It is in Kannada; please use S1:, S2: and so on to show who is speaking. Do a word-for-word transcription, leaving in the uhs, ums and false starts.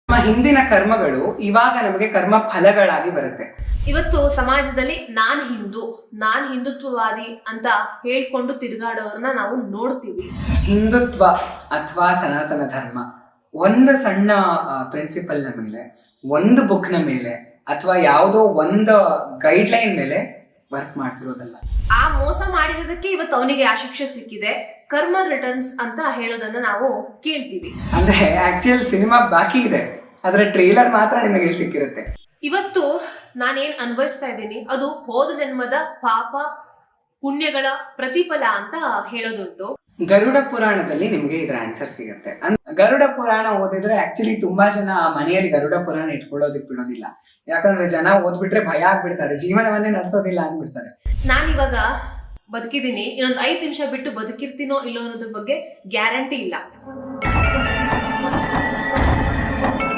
S1: ನಮ್ಮ ಹಿಂದಿನ ಕರ್ಮಗಳು ಇವಾಗ ನಮಗೆ ಕರ್ಮ ಫಲಗಳಾಗಿ ಬರುತ್ತೆ.
S2: ಇವತ್ತು ಸಮಾಜದಲ್ಲಿ ನಾನ್ ಹಿಂದೂ ನಾನ್ ಹಿಂದುತ್ವವಾದಿ ಅಂತ ಹೇಳ್ಕೊಂಡು ತಿರುಗಾಡೋರನ್ನ ನಾವು ನೋಡ್ತೀವಿ.
S1: ಹಿಂದುತ್ವ ಅಥವಾ ಸನಾತನ ಧರ್ಮ ಒಂದು ಸಣ್ಣ ಪ್ರಿನ್ಸಿಪಲ್ ನ ಮೇಲೆ, ಒಂದು ಬುಕ್ ನ ಮೇಲೆ ಅಥವಾ ಯಾವುದೋ ಒಂದು ಗೈಡ್ ಲೈನ್ ಮೇಲೆ ವರ್ಕ್ ಮಾಡ್ತಿರೋದಲ್ಲ.
S2: ಆ ಮೋಸ ಮಾಡಿರೋದಕ್ಕೆ ಇವತ್ತು ಅವನಿಗೆ ಆ ಶಿಕ್ಷೆ ಸಿಕ್ಕಿದೆ. ಕರ್ಮ ರಿಟರ್ನ್ಸ್ ಅಂತ ಹೇಳೋದನ್ನ ನಾವು ಕೇಳ್ತೀವಿ.
S1: ಅಂದ್ರೆ ಆಕ್ಚುಯಲ್ ಸಿನಿಮಾ ಬಾಕಿ ಇದೆ, ಅದರ ಟ್ರೇಲರ್ ಮಾತ್ರ ನಿಮಗೆ ಇಲ್ಲಿ ಸಿಕ್ಕಿರುತ್ತೆ.
S2: ಇವತ್ತು ನಾನೇನ್ ಅನುಭವಿಸ್ತಾ ಇದ್ದೀನಿ ಅದು ಹೋದ ಜನ್ಮದ ಪಾಪ ಪುಣ್ಯಗಳ ಪ್ರತಿಫಲ ಅಂತ ಹೇಳೋದುಂಟು.
S1: ಗರುಡ ಪುರಾಣದಲ್ಲಿ ನಿಮ್ಗೆ ಇದರ ಆನ್ಸರ್ ಸಿಗುತ್ತೆ. ಗರುಡ ಪುರಾಣ ಓದಿದ್ರೆ ಆಕ್ಚುಲಿ ತುಂಬಾ ಜನ ಮನೆಯಲ್ಲಿ ಗರುಡ ಪುರಾಣ ಇಟ್ಕೊಳ್ಳೋದಕ್ ಬಿಡೋದಿಲ್ಲ. ಯಾಕಂದ್ರೆ ಜನ ಓದ್ಬಿಟ್ರೆ ಭಯ ಆಗ್ಬಿಡ್ತಾರೆ, ಜೀವನವನ್ನೇ ನಡೆಸೋದಿಲ್ಲ ಅಂದ್ಬಿಡ್ತಾರೆ.
S2: ನಾನ್ ಇವಾಗ ಬದುಕಿದೀನಿ, ಇನ್ನೊಂದು ಐದ್ ನಿಮಿಷ ಬಿಟ್ಟು ಬದುಕಿರ್ತೀನೋ ಇಲ್ಲೋ ಅನ್ನೋದ್ರ ಬಗ್ಗೆ ಗ್ಯಾರಂಟಿ ಇಲ್ಲ.